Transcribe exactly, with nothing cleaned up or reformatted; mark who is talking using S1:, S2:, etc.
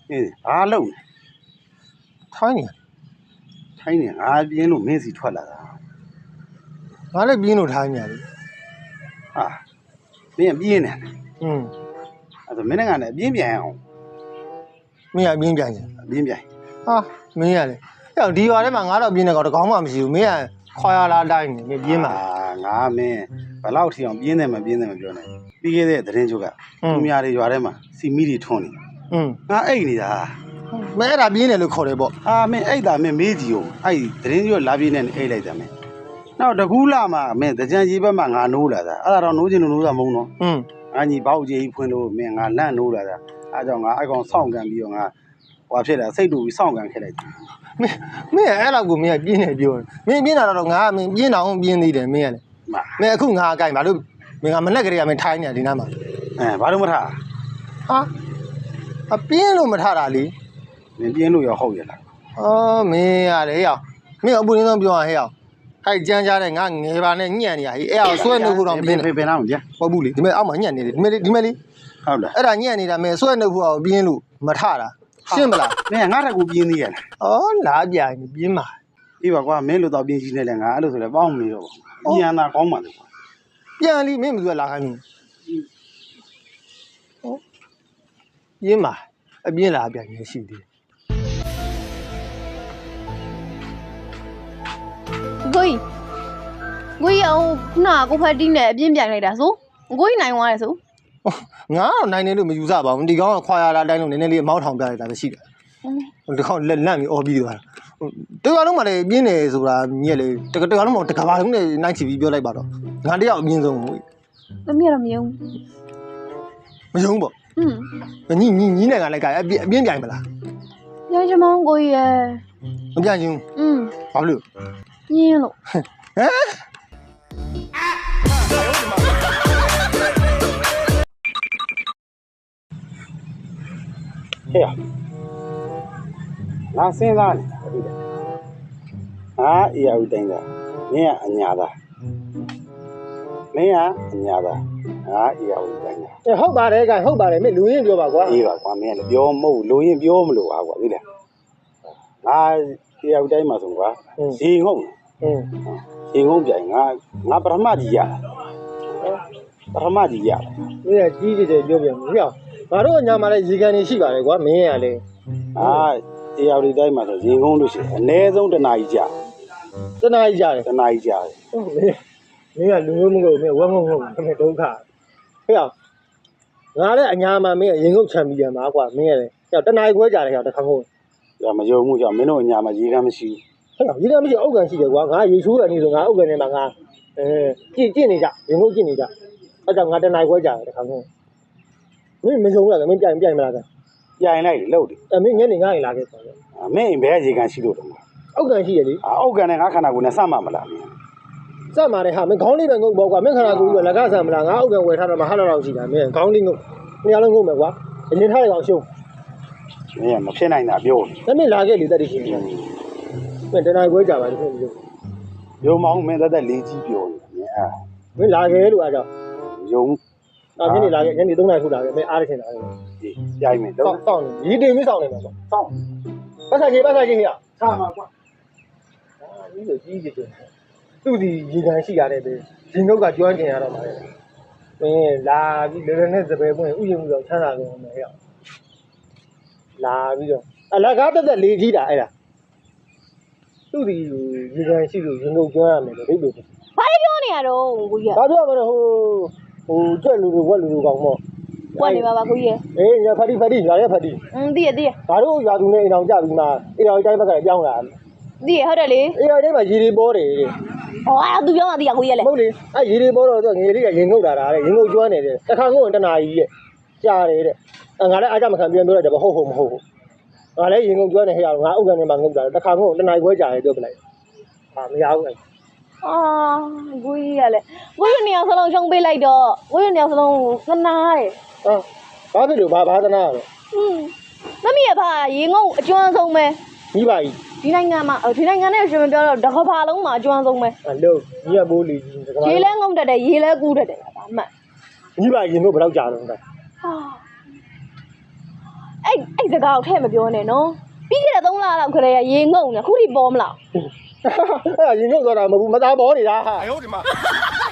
S1: အေးဘာလုပ်လဲ
S2: ထိုင်းနေ
S1: ထိုင်းနေငါပြင်းလို့မင်းစီထွက်လာတာ
S2: ငါလည်းပြင်းလို့ထိုင်းနေတယ်
S1: ဟာမင်းပြင်းနေတယ်
S2: อืม
S1: အဲ့ဒါမင်းကလည်းပြင်းပြန်အောင်
S2: မင်းကပြင်းပြန်ရင်
S1: ပြင်းပြန်
S2: ဟာမင်းရလေအဲ့ဒီရွာထဲမှာငါတော့ပြင်းနေကောင်တကောင်းမှမရှိဘူးမင်းကခွာရလာတိုင်းနေမင်းပြင်းမှာ
S1: ငါမင်းဘယ်လောက်ထီအောင်ပြင်းတယ်မပြင်းတယ်မပြောနဲ့ပြီးခဲ့တဲ့သတင်းချုပ်ကသူများတွေရွာထဲမှာစီမီတွေထွန်းနေ
S2: อืม
S1: ငါအိတ်နေတာ
S2: မင်းအဲ့ဒါပြင်းတယ်လို့ခေါ်တယ်ပေါ့
S1: အာမင်းအိတ်တာမင်းမေးကြည့်ဦးအဲ့သတင်းချုပ်လာပြင်းနေအိတ်လိုက်တာမင်းနောက်တကူးလာမှာမင်းတကြံကြီးဘက်မှာငါနိုးလာတာအဲ့ဒါတော့နိုးချင်လို့နိုးတာမဟုတ်နော်
S2: อืม
S1: ငါညီဘောက်ကြီးဖွင့်လို့မင်းငါလန့်နိုးလာတာအဲ့ကြောင့်ငါအဲ့ကောင်စောင့်ကန်ပြီးတော့ငါဟွာဖြစ်လာစိတ်တူပြီးစောင့်ကန်ခဲ့လိုက်တယ်
S2: မင်းမင်းအဲ့လောက်ကိုမင်းကပြင်းနေပြောတယ်မင်းပြင်းတာတော့ငါမင်းပြင်းတော့ပြင်းသေးတယ်မင်းကလေမင်းအခုငါအကိုင်ဘာလို့မင်းကမနဲ့ကလေးကမင်းထိုင်းနေဒီနားမှာ
S1: အဲဘာလို့မထား
S2: ဟာအပြင်းလို့မထားတာလေ
S1: မင်းပြင်းလို့ရောဟုတ်ရလား
S2: အော်မင်းရတယ်ဟဲ့မင်းအပူရင်းဆုံးပြောရဟဲ့ခိုက်ကြမ်းကြတဲ့ငါငယ်ပါနဲ့ညံ့နေရဟိအဲ့အောင်ဆွဲနှုတ်ဖို့တော့ပြင်း
S1: တယ်ဘယ်နာမကြာ
S2: ဟုတ်ဘူးလေဒီမဲ့အောက်မှာညံ့နေတယ်ဒီမဲ့ဒီမဲ့လေး
S1: ဟုတ်လား
S2: အဲ့ဒါညံ့နေတာမင်းဆွဲနှုတ်ဖို့အောင်ပြင်းလို့မထတာရှင်းမလား
S1: မင်းငါတက်ကူပြင်းသေးရလား
S2: အော်လာပြိုင်ပြင်းပါ
S1: အေးပါကွာမင်းလို့တော့ပြင်းကြီးနေလဲငါအဲ့လိုဆိုလဲပေါင်းမနေတော့ဘူးညံတာကောင်းပါလေကွာ
S2: ပြန်လီမင်းမသူကလာခိုင်းဘူးဟုတ်ပြင်းပါအပြင်းလာပြိုင်နေရှိသေး
S3: ကိုကြီးကိုကြီးအောင်ခုနကကိုဖက်တီးနဲ့အပြင်းပြိုင်လိုက်တာဆိုကိုကြီးနိုင်သွားတယ်ဆို
S2: ငါတော့နိုင်တယ်လို့မယူဆပါဘူးဒီကောင်ကခွာရလာတိုင်းလို့နည်းနည်းလေးအမောင်းထောင်ပြလိုက်တာပဲရှိတယ်ဒီကောင်လက်လန့်ပြီးအော်ပြီးသွားတာတကယ်လုံးမလည်းပြင်းတယ်ဆိုတာမြက်လေတကယ်တကယ်လုံးမတကယ်ပါလုံးနဲ့နိုင်ချီပြီးပြောလိုက်ပါတော့ငါတယောက်အပြင်းဆုံးဘူး
S3: သမီးကတော့မယုံ
S2: မယုံပေါ့
S3: อืม
S2: ညီညီညီနဲ့ကလည်းကအပြင်းအပြင်းပြိုင်မလား
S3: ပြိုင်ချမောင်းကိုကြီးရဲ့
S2: မပြိုင်ချင်
S3: อืม
S2: ဘာလို့
S3: ညင်းလို့
S2: ဟမ်
S1: ဟဲ့ငါစဉ်းစားနေတာဟုတ်တယ်ငါအေးအူတိုင်းတာမင်းကအညာသားမင်းကအညာသားငါအေးအူတိုင်းတာ
S2: အဲဟုတ်ပါတယ်ကဟုတ်ပါတယ်မင်းလူရင်းပြောပါကွာ
S1: အေးပါကွာမင်းကလည်းပြောမဟုတ်လူရင်းပြောမလို့ပါကွာသိလားငါအေးအူတိုင်းမှာဆိုကွာရေငုံ
S2: อืม
S1: ရေငုံပြိုင်ငါငါပထမကြီးရပထမကြီးရ
S2: မင်းကကြီးကြီးတယ်ပြောပြန်မင်းငါတို့ညာမှာလည်းရေကန်နေရှိပါတယ်ကွာမင်းရလေ
S1: အာအေးအူတိုင်းမှာဆိုရေငုံလို့ရှိရင်အနည်းဆုံးတစ်နာရီကြာ
S2: တစ်နာရီကြာတယ်
S1: တစ်နာရီကြာတယ်
S2: ဟုတ်မင်းမင်းကလူမျိုးမဟုတ်မင်းဝက်မဟုတ်မင်းဒုက္ခဟဲ့အောင်ငါလည်းအညာမှာမင်းရင်ငုတ်ချန်ပီယံပါကွာမင်းရတယ်ဟဲ့တနာရီခွဲကြာတယ်ဟဲ့တခါခုံး
S1: ရမယုံမှုကြောင့်မင်းတို့အညာမှာရေကန်မရှိ
S2: ဘူးဟဲ့ရေကန်မရှိအုတ်ကန်ရှိတယ်ကွာငါရေချိုးကန်နေဆိုငါအုတ်ကန်ထဲမှာငါအဲကြည့်ကြည့်နေကြရင်ငုတ်ကြည့်နေကြအဲ့ကြောင့်ငါတနာရီခွဲကြာတယ်တခါခုံးမင်းမယုံလားမင်းပြိုင်ပြိုင်မလားက
S1: ပြိုင်လိုက်လို့တယ်
S2: အဲမင်းညနေငါ့ရင်လာခဲ့ဆို
S1: မင်းဘယ်ရေကန်ရှိလို့တော့
S2: အုတ်ကန်ရှိရလေ
S1: အုတ်ကန်နဲ့ငါခန္ဓာကိုယ်နဲ့စမှမလား
S2: စမှာတယ်ဟာမင်းခေါင်းလေးပဲငုတ်ပေါ့ကွာမင်းခန္ဓာကိုယ်ကြီးကလက်ကားဆန်မလားငါအုတ်ကန်ဝယ်ထားတော့မဟာလောက်လောက်ရှိတာမင်းခေါင်းလေးငုတ်နေရာလုံးငုတ်မယ်ကွာအရင်ထားရအောင်ရှုံး
S1: မင်းကမဖြစ်နိုင်တာပြော
S2: တယ်မင်းလာခဲ့လေတက်တရှိတယ်မင်းတနာခွဲကြပါလို့ပြော
S1: ရုံမောင်းမင်းတက်တက်လေးကြီးပြောနေမင်းအာ
S2: မင်းလာခဲ့လို့အားကြောင့်
S1: ယုံ
S2: အာညနေလာခဲ့ညနေသုံးနာရီထိုးလာခဲ့မင်းအားရခင်လာခဲ့
S1: ဒီရိုက်မယ်
S2: တော့စောင့်နေဒီတင်မစောင့်နေမှာပေါ့
S1: စောင့်
S2: ပတ်ဆိုင်ကြီးပတ်ဆိုင်ကြီးဟဲ့
S1: ဆာမှာကွာ
S2: အာဒီလိုကြီးကြီးတယ်သူ့ဒီရေကန်ရှိရတဲ့ပဲရင်ငုတ်ကကျွမ်းကျင်ရတော့မှာလေမင်းလာပြီးလေနဲ့စပယ်ပွင့်ဥယျာဉ်မှုတော့ချမ်းသာကုန်မယ်ဟဲ့လာပြီးတော့အလကားတက်တက်လေးကြီးတာအဲ့ဒါသူ့ဒီရေကန်ရှိလို့ရင်ငုတ်ကျွမ်းရမယ်လို့ဒိတ်လို့
S3: ဘာပြောနေရတော့ကိုကြီး
S2: ဘာပြောမလဲဟိုဟိုကြွက်လူတွေဝက်လူတွေကောင်ပေါ့
S3: ဝက်နေပါပါကိုကြီး
S2: အေးညဖတ်တိဖတ်တိညာရဲဖတ်တိ
S3: อืมသိရသိရ
S2: ဘာတို့ယာသူနဲ့အိမ်အောင်ကြပြီးမှအေးအောင်တိုင်းဘက်ကပြောင်းလာ
S3: သိရဟုတ်တယ်လေ
S2: အေးအောင်တိုင်းမှာရေတွေပေါ်တယ်တဲ့
S3: ဟောအဲ့သူပြောမှသိရကိုကြီးလေ
S2: ဟုတ်လေအဲ့ရေတွေပေါ်တော့သူငယ်လေးကရင်ငုတ်တာတဲ့ရင်ငုတ်ကျွမ်းနေတယ်တခါငုတ်ရင်တနာကြီးရဲ့ကြားတယ်တဲ့ငါလည်းအားကြမခံပြန်ပြောလိုက်တယ်မဟုတ်ဟုတ်မဟုတ်ဟုတ်ငါလည်းရင်ငုတ်ကျွမ်းနေဟဲ့အောင်ငါအုတ်ကန်ထဲမှာငုတ်တာတခါငုတ်တနာကြီးခွဲကြားတယ်ပြောပြလိုက်ဟာမရဘူးအဲ့
S3: အာကိုကြီးရလေကိုကြီးနေအောင်စလုံးရှုံးပေးလိုက်တော့ကိုကြီးနေအောင်စလုံးသနာတယ်
S2: ဟာဘာဖြစ်လို့ဘာဘာသနာရလဲ
S3: อืมသမီးရပါရေငုတ်အကျွမ်းဆုံးပဲ
S2: ကြီးပါကြီး
S3: ဒီနိုင်ငံမှာဒီနိုင်ငံနဲ့ရှင်မပြောတော့တကဘာလုံးမှာအကျွမ်းဆုံးပဲ
S2: အလို့ကြီးရမိုးလီကြီး
S3: တကဘာရေလဲငုံတက်တယ်ရေလဲကူးတက်တယ်ဒါမှတ်
S2: ကြီးပါရင်တို့ဘယ်တော့ကြာတော့လဲဟာ
S3: အဲ့အဲ့စကားကိုထဲမပြောနဲ့နော်ပြီးခဲ့တဲ့သုံးလလောက်ခရေရေငုံနေခုထိပေါ်မလား
S2: အဲ့ရင်ငုတ်သွားတာမဟုတ်ဘူးမသားပေါ်နေတာဟာ
S1: 哎呦我的妈！